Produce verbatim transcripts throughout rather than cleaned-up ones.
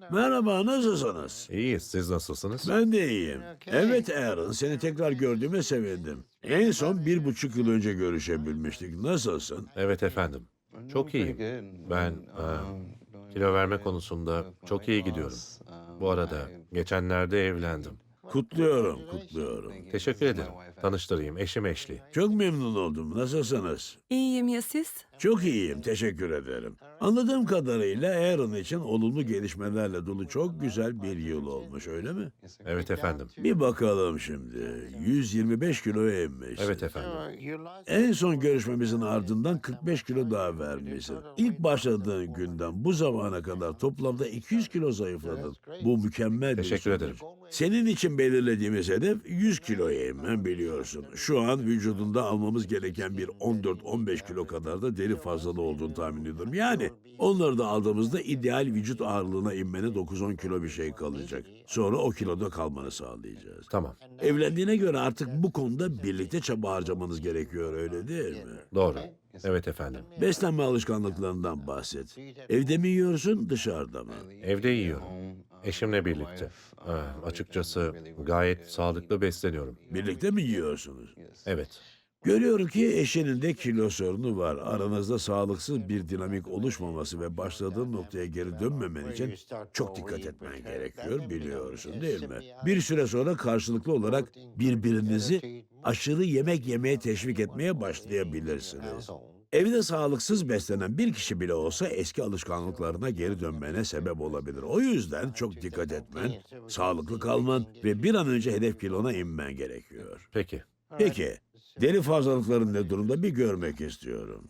Merhaba, nasılsınız? İyiyiz, siz nasılsınız? Ben de iyiyim. Evet Aaron, seni tekrar gördüğüme sevindim. En son bir buçuk yıl önce görüşebilmiştik. Nasılsın? Evet efendim, çok iyiyim. Ben e, kilo verme konusunda çok iyi gidiyorum. Bu arada geçenlerde evlendim. Kutluyorum, kutluyorum. Teşekkür ederim. Tanıştırayım, eşim Eşli. Çok memnun oldum. Nasılsınız? İyiyim ya siz? Çok iyiyim, teşekkür ederim. Anladığım kadarıyla Aaron için olumlu gelişmelerle dolu çok güzel bir yıl olmuş, öyle mi? Evet efendim. Bir bakalım şimdi. yüz yirmi beş kiloya inmiş. Evet efendim. En son görüşmemizin ardından kırk beş kilo daha vermişsin. İlk başladığın günden bu zamana kadar toplamda iki yüz kilo zayıfladın. Bu mükemmel bir Teşekkür sonuç. ederim. Senin için belirlediğimiz hedef yüz kiloya inmen, biliyorsun. Şu an vücudunda almamız gereken bir on dört on beş kilo kadar da deri fazlalığı olduğunu tahmin ediyorum. Yani onları da aldığımızda ideal vücut ağırlığına inmene dokuz on kilo bir şey kalacak. Sonra o kiloda kalmanı sağlayacağız. Tamam, Evlendiğine göre artık bu konuda birlikte çaba harcamanız gerekiyor, öyle değil mi? doğru. Evet efendim. Beslenme alışkanlıklarından bahset. Evde mi yiyorsun, dışarıda mı? Evde yiyorum. Eşimle birlikte. E, açıkçası gayet sağlıklı besleniyorum. Birlikte mi yiyorsunuz? Evet. Görüyorum ki eşinin de kilo sorunu var. Aranızda sağlıksız bir dinamik oluşmaması ve başladığın noktaya geri dönmemen için çok dikkat etmen gerekiyor, biliyorsun değil mi? Bir süre sonra karşılıklı olarak birbirinizi aşırı yemek yemeye teşvik etmeye başlayabilirsiniz. Evde sağlıksız beslenen bir kişi bile olsa eski alışkanlıklarına geri dönmene sebep olabilir. O yüzden çok dikkat etmen, sağlıklı kalman ve bir an önce hedef kilona inmen gerekiyor. Peki. Peki, deri fazlalıkların ne durumda bir görmek istiyorum.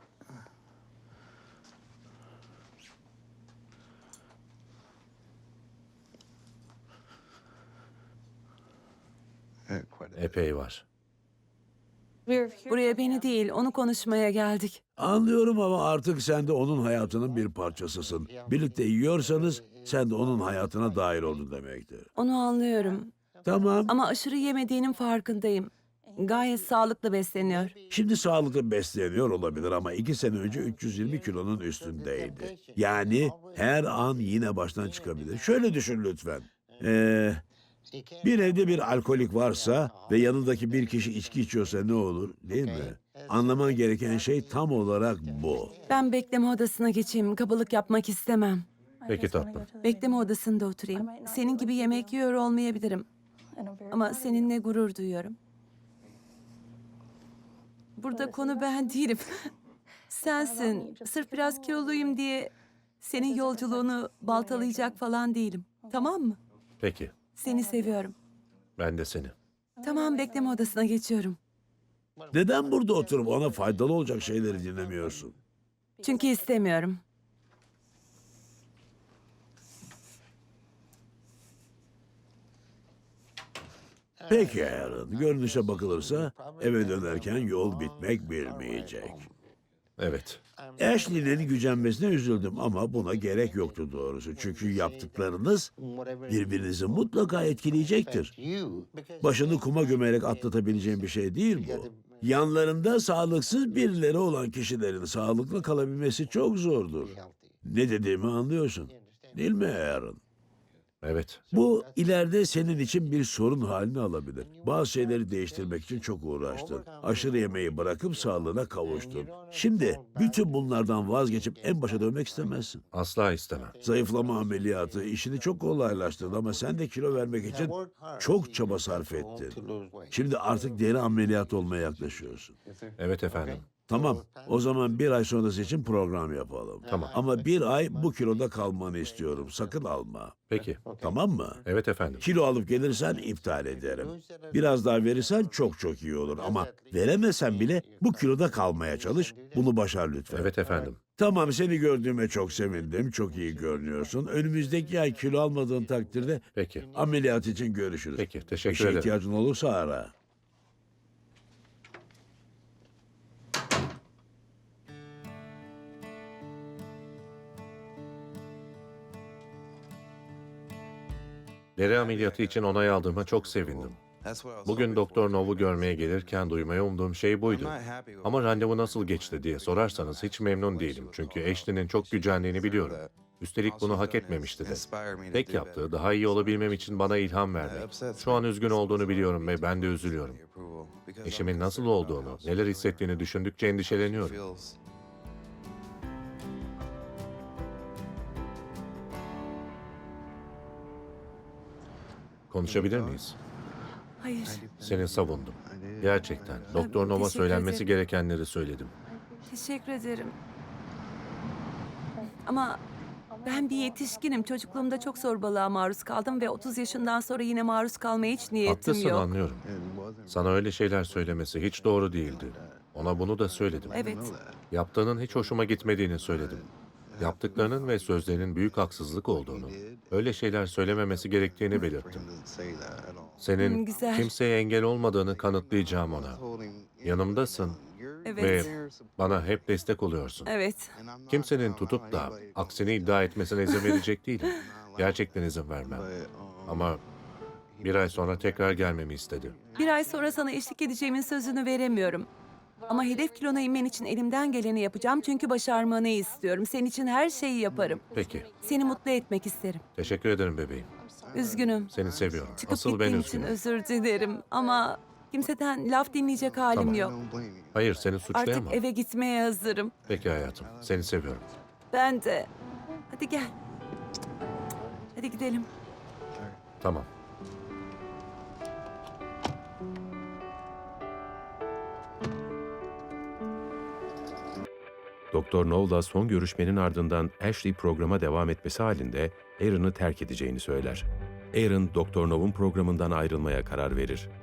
Epey var. Buraya beni değil, onu konuşmaya geldik. Anlıyorum ama artık sen de onun hayatının bir parçasısın. Birlikte yiyorsanız sen de onun hayatına dahil oldun demektir. Onu anlıyorum. Tamam, Ama aşırı yemediğinin farkındayım. Gayet sağlıklı besleniyor. şimdi sağlıklı besleniyor olabilir ama iki sene önce üç yüz yirmi kilonun üstündeydi. Yani her an yine baştan çıkabilir. Şöyle düşün lütfen. Ee, bir evde bir alkolik varsa ve yanındaki bir kişi içki içiyorsa ne olur, değil mi? Anlaman gereken şey tam olarak bu. Ben bekleme odasına geçeyim, kabalık yapmak istemem. Peki tatlım. Bekleme odasında oturayım. Senin gibi yemek yiyor olmayabilirim. Ama seninle gurur duyuyorum. Burada konu ben değilim. Sensin. Sırf biraz kiloluyum diye senin yolculuğunu baltalayacak falan değilim. Tamam mı? Peki. Seni seviyorum. Ben de seni. Tamam, bekleme odasına geçiyorum. Neden burada oturup ona faydalı olacak şeyleri dinlemiyorsun? Çünkü istemiyorum. Peki Aaron, görünüşe bakılırsa eve dönerken yol bitmek bilmeyecek. Evet. Ashley'nin gücenmesine üzüldüm ama buna gerek yoktu doğrusu. Çünkü yaptıklarınız birbirinizi mutlaka etkileyecektir. Başını kuma gömerek atlatabileceğin bir şey değil bu. Yanlarında sağlıksız birileri olan kişilerin sağlıklı kalabilmesi çok zordur. Ne dediğimi anlıyorsun, değil mi Aaron? Evet. Bu ileride senin için bir sorun halini alabilir. Bazı şeyleri değiştirmek için çok uğraştın. Aşırı yemeği bırakıp sağlığına kavuştun. Şimdi bütün bunlardan vazgeçip en başa dönmek istemezsin. Asla istemem. Zayıflama ameliyatı işini çok kolaylaştırdı ama sen de kilo vermek için çok çaba sarf ettin. Şimdi artık deri ameliyatı olmaya yaklaşıyorsun. Evet efendim. Tamam, o zaman bir ay sonrası için program yapalım. Tamam. Ama bir ay bu kiloda kalmanı istiyorum. Sakın alma. Peki. Tamam mı? Evet efendim. Kilo alıp gelirsen iptal ederim. Biraz daha verirsen çok çok iyi olur ama veremesen bile bu kiloda kalmaya çalış. Bunu başar lütfen. Evet efendim. Tamam, seni gördüğüme çok sevindim. Çok iyi görünüyorsun. Önümüzdeki ay kilo almadığın takdirde Peki. ameliyat için görüşürüz. Peki, Bir teşekkür şeye ederim. ihtiyacın olursa ara. Deri ameliyatı için onay aldığıma çok sevindim. Bugün Doktor Nov'u görmeye gelirken duymaya umduğum şey buydu. Ama randevu nasıl geçti diye sorarsanız hiç memnun değilim. Çünkü Ashley'nin çok gücendiğini biliyorum. Üstelik bunu hak etmemişti de. Tek yaptığı daha iyi olabilmem için bana ilham vermek. Şu an üzgün olduğunu biliyorum ve ben de üzülüyorum. Eşimin nasıl olduğunu, neler hissettiğini düşündükçe endişeleniyorum. Konuşabilir miyiz? Hayır, Seni savundum. Gerçekten. Doktor Nova teşekkür söylenmesi ederim. gerekenleri söyledim. teşekkür ederim. Ama ben bir yetişkinim. Çocukluğumda çok zorbalığa maruz kaldım ve otuz yaşından sonra yine maruz kalmaya hiç niyetim Haklısın, yok. anlıyorum. Sana öyle şeyler söylemesi hiç doğru değildi. Ona bunu da söyledim. Evet, Yaptığının hiç hoşuma gitmediğini söyledim. Yaptıklarının ve sözlerinin büyük haksızlık olduğunu, öyle şeyler söylememesi gerektiğini belirttim. Hmm, Senin güzel. kimseye engel olmadığını kanıtlayacağım ona. Yanımdasın evet, ve bana hep destek oluyorsun. evet. Kimsenin tutup da aksini iddia etmesine izin verecek değilim. Gerçekten izin vermem. Ama bir ay sonra tekrar gelmemi istedi. Bir ay sonra sana eşlik edeceğimin sözünü veremiyorum. Ama hedef kilona inmen için elimden geleni yapacağım çünkü başarmanı istiyorum. Senin için her şeyi yaparım. Peki, Seni mutlu etmek isterim. teşekkür ederim bebeğim. Üzgünüm. Seni seviyorum. Çıkıp Asıl ben gittiğin için üzgünüm. özür dilerim ama kimseden laf dinleyecek halim Tamam. yok. Hayır, seni Artık suçlayamam. eve gitmeye hazırım. Peki hayatım, seni seviyorum. Ben de. Hadi gel. Hadi gidelim. Tamam. Doktor Knowles son görüşmenin ardından Ashley programa devam etmesi halinde Aaron'ı terk edeceğini söyler. Aaron, Doktor Knowles'un programından ayrılmaya karar verir.